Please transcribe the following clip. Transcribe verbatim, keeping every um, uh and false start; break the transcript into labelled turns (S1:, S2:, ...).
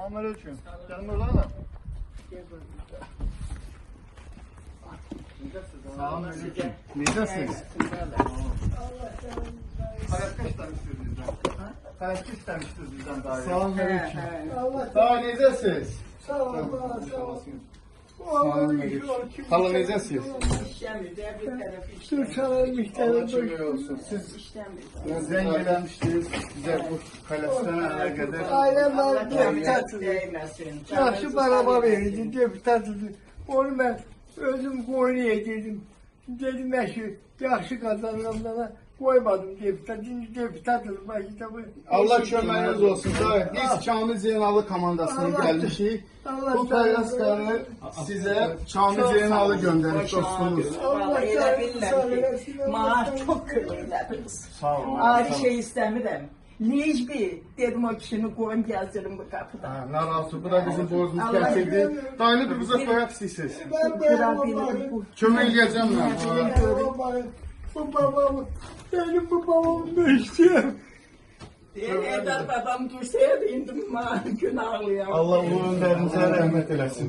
S1: Selamünaleyküm. Gelin oradan. Selamünaleyküm. Neydesiniz? Karakter istemiştiniz bizden. Karakter istemiştiniz bizden daha iyi. Selamünaleyküm. Daha neydesiniz?
S2: Sağ ol, sağ ol.
S1: Selamünaleyküm. Hala neydesiniz?
S2: Türk Çalan
S1: Allah şükür olsun. Siz zengin gelmiştiniz. Bize bu kalesine kadar.
S2: Ailem var, deputatıdır. Yaxşı araba verildi, deputatıdır. Onu ben özüm koyunu yedirdim. Dedim ben şu yaxşı kazananlara koymadım deputat. Şimdi deputatıdır. Başta bu.
S1: Allah köməyiniz olsun. Daim biz Kamil Zeynalı komandasına gəlmişik. Bu kalaskanı size Kamil Zeynalı göndermiş dostumuz.
S2: Allah
S3: Elə
S2: sağ
S3: bilirəm ki,
S2: olun.
S3: maaş çok kırılırdınız.
S1: Sağ olun.
S3: Ayrı şey istemirəm. Necbi dedim o kişini koyun gezdirin bu kapıda.
S1: Ha, narahatı. Bu da bizim borcumuz getirdi. Dayını bir bize koyak istəyirsiniz.
S2: Ben
S3: Kıra
S2: benim
S3: bilir bu.
S1: Kömək eləyəcəm mən.
S2: babamı, bu babamı, benim bu babamı da istiyorum.
S3: Eder babam dursaydı indi günahlıya.
S1: Allah onun önlərinizə rəhmət eləsin.